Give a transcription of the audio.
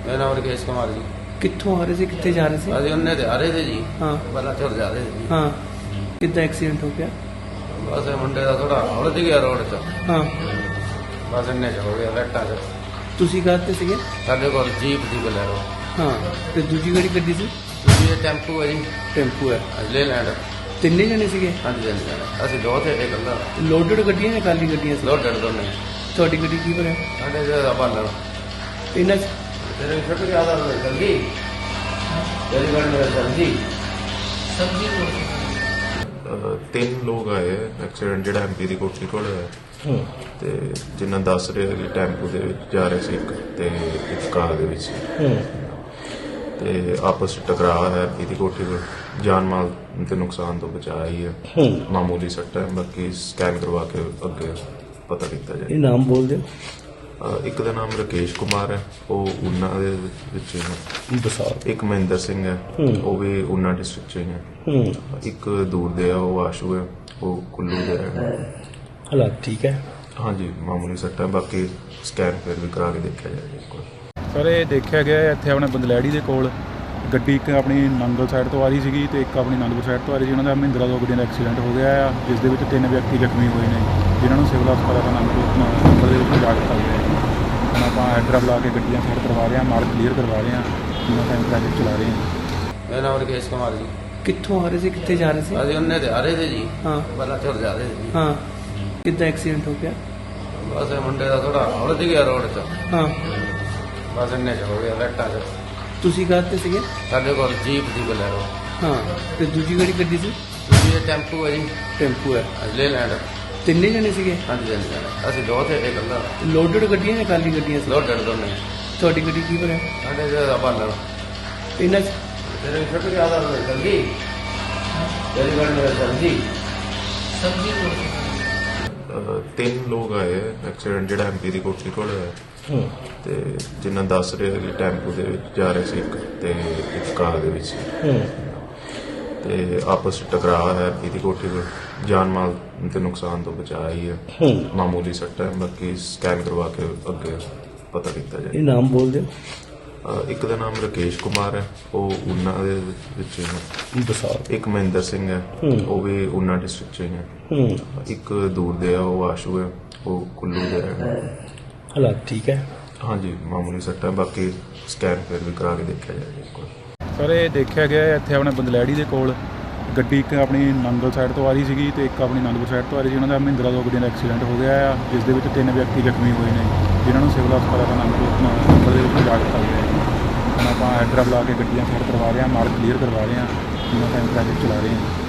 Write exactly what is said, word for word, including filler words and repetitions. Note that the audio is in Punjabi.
मेरा नाम राकेश कुमार जी। कित्थों आ रहे थे कित्थे जा रहे थे? ਅਸੀਂ ਉਹਨੇ ਤੇ ਆ ਰਹੇ थे जी। हाँ ਪਹਿਲਾਂ ਚੜ ਜਾ ਰਹੇ ਸੀ। हाँ कितना एक्सीडेंट हो गया? ਬਸ ਇਹ ਮੁੰਡੇ ਦਾ ਥੋੜਾ ਉਲਝ ਗਿਆ ਰੋਡ 'ਚ। हाँ ਬਸ ਇੰਨੇ 'ਚ ਹੋ ਗਿਆ ਲੈਟਾਂ 'ਚ। ਤੁਸੀਂ ਕਾਹਤੇ ਸੀਗੇ? ਸਾਡੇ ਕੋਲ ਜੀਪ ਦੀ ਬਲੈਰੋ। ਹਾਂ ਤੇ ਦੂਜੀ ਗੱਡੀ ਕੱਢੀ ਸੀ? ਦੂਜੀ ਇਹ ਟੈਂਪੂ ਹੈ ਜੀ। ਟੈਂਪੂ ਹੈ। ਲੈ ਲੈਂਡ। ਤਿੰਨੇ ਜਣੇ ਸੀਗੇ? ਹਾਂਜੀ ਹਾਂਜੀ ਅਸੀਂ ਦੋ ਥੇ ਇੱਕ ਅੱਲਾ। ਲੋਡਡ ਗੱਡੀਆਂ ਜਾਂ ਖਾਲੀ ਗੱਡੀਆਂ ਸੀ? ਲੋਡਡ ਦੋਨੇ। ਤੁਹਾਡੀ ਗੱਡੀ ਕੀ ਭਰਿਆ? ਸਾਡੇ ਜਿਹੜਾ ਬਾਲਣ ਇਹਨਾਂ 'ਚ ਤੇਰੇ ਛੁੱਟ ਗਿਆ ਦਾ ਜਲਦੀ ਤੇਰੀ ਗੱਡੀ ਮੇਰਾ ਜਲਦੀ ਸਬਜ਼ੀ ਅਹ ਤਿੰਨ ਲੋਕ ਆਏ ਐਕਸੀਡੈਂਟ ਜਿਹੜਾ ਐਮਪੀ ਦੀ ਕੋਠੀ ਕੋਲ ਹੋਇਆ ਤੇ ਜਿਨ੍ਹਾਂ ਦੱਸ ਰਹੇ ਕਿ ਟੈਂਪੂ ਦੇ ਵਿੱਚ ਜਾ ਰਹੇ ਸੀ ਇੱਕ ਤੇ ਇੱਕ ਕਾਰ ਦੇ ਵਿੱਚ ਤੇ ਆਪਸ ਵਿੱਚ ਟਕਰਾਅ ਹੈ ਐਮਪੀ ਦੀ ਕੋਠੀ ਕੋਲ। ਜਾਨ ਮਾਲ ਤੇ ਨੁਕਸਾਨ ਤੋਂ ਬਚਾ ਹੀ ਹੈ, ਮਾਮੂਲੀ ਸੱਟ ਹੈ। ਬਾਕੀ ਸਕੈਨ ਕਰਵਾ ਕੇ ਅੱਗੇ ਪਤਾ ਕੀਤਾ ਜਾਏ। ਇਹ ਨਾਮ ਬੋਲ ਦਿਓ। ਅਹ ਇੱਕ ਦਾ ਨਾਮ ਰਾਕੇਸ਼ ਕੁਮਾਰ ਹੈ, ਉਹ ਊਨਾ ਦੇ ਵਿੱਚ ਹੀ ਹੈ। ਬਸਾਰ ਇੱਕ ਮਹਿੰਦਰ ਸਿੰਘ ਹੈ, ਉਹ ਵੀ ਊਨਾ ਡਿਸਟ੍ਰਿਕਟ ਚ ਹੀ ਹੈ। ਇੱਕ ਦੂਰ ਦੇ ਆ ਉਹ ਆਸ਼ੂ ਹੈ, ਉਹ ਕੁੱਲੂ ਦੇ ਰਹਿਣ ਵਾਲੇ। ਹਾਲਾਤ ਠੀਕ ਹੈ? ਹਾਂਜੀ ਮਾਮੂਲੀ ਸੱਟ ਹੈ, ਬਾਕੀ ਸਕੈਨ ਫਿਰ ਵੀ ਕਰਾ ਕੇ ਦੇਖਿਆ ਜਾਏਗਾ ਇੱਕ ਵਾਰ। ਸਰ ਇਹ ਦੇਖਿਆ ਗਿਆ ਇੱਥੇ ਆਪਣੇ ਬੰਦਲੈੜੀ ਦੇ ਕੋਲ ਗੱਡੀ ਇੱਕ ਆਪਣੀ ਨੰਗਲ ਸਾਈਡ ਤੋਂ ਆ ਰਹੀ ਸੀਗੀ ਤੇ ਇੱਕ ਆਪਣੀ ਨੰਗਲ ਸਾਈਡ ਤੋਂ ਆ ਰਹੀ ਸੀ। ਉਹਨਾਂ ਦਾ ਮਹਿੰਦਰਾ ਦੋ ਗੱਡੀਆਂ ਦਾ ਐਕਸੀਡੈਂਟ ਹੋ ਗਿਆ ਆ, ਜਿਸ ਦੇ ਵਿੱਚ ਤਿੰਨ ਵਿਅਕਤੀ ਜ਼ਖਮੀ ਹੋਏ ਨੇ, ਜਿਨ੍ਹਾਂ ਨੂੰ ਸਿਵਲ ਹਸਪਤਾਲ ਦਾ ਨੰਗਲ ਦੇ ਵਿੱਚ ਲਿਜਾ ਦਿੱਤਾ ਗਿਆ ਹੈ। ਹੁਣ ਆਪਾਂ ਐਡਰਾ ਬੁਲਾ ਕੇ ਗੱਡੀਆਂ ਸਾਈਡ ਕਰਵਾ ਰਹੇ ਹਾਂ, ਮਾਰਕ ਕਲੀਅਰ ਕਰਵਾ ਰਹੇ ਹਾਂ, ਜਿੰਨਾ ਟਾਈਮ ਟ੍ਰੈਫਿਕ ਚਲਾ ਰਹੇ ਹਾਂ। ਮੇਰਾ ਨਾਮ ਰਾਕੇਸ਼ ਕੁਮਾਰ ਜੀ। ਕਿੱਥੋਂ ਆ ਰਹੇ ਸੀ ਕਿੱਥੇ ਜਾ ਰਹੇ ਸੀ? ਅਸੀਂ ਉਹਨੇ ਤੇ ਆ ਰਹੇ थे जी। हाँ ਪਹਿਲਾਂ ਚੜ ਜਾ ਰਹੇ ਸੀ। हाँ कितना एक्सीडेंट हो गया? ਬਸ ਇਹ ਮੁੰਡੇ ਦਾ ਥੋੜਾ ਉਲਝ ਗਿਆ ਰੋਡ 'ਚ। हाँ ਬਸ ਇੰਨੇ 'ਚ ਹੋ ਗਿਆ ਲੈਟਾਂ 'ਚ। ਤੁਸੀਂ ਕਾਹਤੇ ਸੀਗੇ? ਸਾਡੇ ਕੋਲ ਜੀਪ ਦੀ ਬਲੈਰੋ। ਹਾਂ ਤੇ ਦੂਜੀ ਗੱਡੀ ਕੱਢੀ ਸੀ? ਦੂਜੀ ਇਹ ਟੈਂਪੂ ਹੈ ਜੀ। ਟੈਂਪੂ ਹੈ। ਲੈ ਲੈਂਡ। ਤਿੰਨੇ ਜਣੇ ਸੀਗੇ? ਹਾਂਜੀ ਹਾਂਜੀ ਅਸੀਂ ਦੋ ਥੇ ਇੱਕ ਅੱਲਾ। ਲੋਡਡ ਗੱਡੀਆਂ ਜਾਂ ਖਾਲੀ ਗੱਡੀਆਂ ਸੀ? ਲੋਡਡ ਦੋਨੇ। ਤੁਹਾਡੀ ਗੱਡੀ ਕੀ ਭਰਿਆ? ਸਾਡੇ ਜਿਹੜਾ ਬਾਲਣ ਇਹਨਾਂ 'ਚ ਤੇਰੇ ਛੁੱਟ ਗਿਆ ਦਾ ਜਲਦੀ ਤੇਰੀ ਗੱਡੀ ਮੇਰਾ ਜਲਦੀ ਸਬਜ਼ੀ ਅਹ ਤਿੰਨ ਲੋਕ ਆਏ ਐਕਸੀਡੈਂਟ ਜਿਹੜਾ ਐਮਪੀ ਦੀ ਕੋਠੀ ਕੋਲ ਹੋਇਆ ਤੇ ਜਿਨ੍ਹਾਂ ਦੱਸ ਰਹੇ ਕਿ ਟੈਂਪੂ ਦੇ ਵਿੱਚ ਜਾ ਰਹੇ ਸੀ ਇੱਕ ਤੇ ਇੱਕ ਕਾਰ ਦੇ ਵਿੱਚ ਤੇ ਆਪਸ ਵਿੱਚ ਟਕਰਾਅ ਹੈ ਐਮਪੀ ਦੀ ਕੋਠੀ ਕੋਲ। ਜਾਨ ਮਾਲ ਤੇ ਨੁਕਸਾਨ ਤੋਂ ਬਚਾ ਹੀ ਹੈ, ਮਾਮੂਲੀ ਸੱਟ ਹੈ। ਬਾਕੀ ਸਕੈਨ ਕਰਵਾ ਕੇ ਅੱਗੇ ਪਤਾ ਕੀਤਾ ਇਹ ਜਾਏ। ਨਾਮ ਬੋਲ ਦਿਓ। ਅਹ ਇੱਕ ਦਾ ਨਾਮ ਰਾਕੇਸ਼ ਕੁਮਾਰ ਹੈ, ਉਹ ਊਨਾ ਦੇ ਵਿੱਚ ਹੀ ਹੈ। ਬਸਾਰ ਇੱਕ ਮਹਿੰਦਰ ਸਿੰਘ ਹੈ, ਉਹ ਵੀ ਊਨਾ ਡਿਸਟ੍ਰਿਕਟ ਚ ਹੀ ਹੈ। ਇੱਕ ਦੂਰ ਦੇ ਆ ਉਹ ਆਸ਼ੂ ਹੈ, ਉਹ ਕੁੱਲੂ ਦੇ ਰਹਿਣ ਵਾਲੇ। ਹਾਲਾਤ ਠੀਕ ਹੈ? ਹਾਂਜੀ ਮਾਮੂਲੀ ਸੱਟ ਹੈ, ਬਾਕੀ ਸਕੈਨ ਫਿਰ ਵੀ ਕਰਾ ਕੇ ਦੇਖਿਆ ਜਾਏਗਾ ਇੱਕ ਵਾਰ। ਸਰ ਇਹ ਦੇਖਿਆ ਗਿਆ ਇੱਥੇ ਆਪਣੇ ਬੰਦਲੈੜੀ ਦੇ ਕੋਲ ਗੱਡੀ ਇੱਕ ਆਪਣੀ ਨੰਗਲ ਸਾਈਡ ਤੋਂ ਆ ਰਹੀ ਸੀਗੀ ਤੇ ਇੱਕ ਆਪਣੀ ਨੰਗਲ ਸਾਈਡ ਤੋਂ ਆ ਰਹੀ ਸੀ। ਉਹਨਾਂ ਦਾ ਮਹਿੰਦਰਾ ਦੋ ਗੱਡੀਆਂ ਦਾ ਐਕਸੀਡੈਂਟ ਹੋ ਗਿਆ ਆ, ਜਿਸ ਦੇ ਵਿੱਚ ਤਿੰਨ ਵਿਅਕਤੀ ਜ਼ਖਮੀ ਹੋਏ ਨੇ, ਜਿਨ੍ਹਾਂ ਨੂੰ ਸਿਵਲ ਹਸਪਤਾਲ ਦਾ ਨੰਗਲ ਦੇ ਵਿੱਚ ਲਿਜਾ ਦਿੱਤਾ ਗਿਆ ਹੈ। ਹੁਣ ਆਪਾਂ ਐਡਰਾ ਬੁਲਾ ਕੇ ਗੱਡੀਆਂ ਸਾਈਡ ਕਰਵਾ ਰਹੇ ਹਾਂ, ਮਾਰਕ ਕਲੀਅਰ ਕਰਵਾ ਰਹੇ ਹਾਂ, ਜਿੰਨਾ ਟਾਈਮ ਟ੍ਰੈਫਿਕ ਚਲਾ ਰਹੇ ਹਾਂ।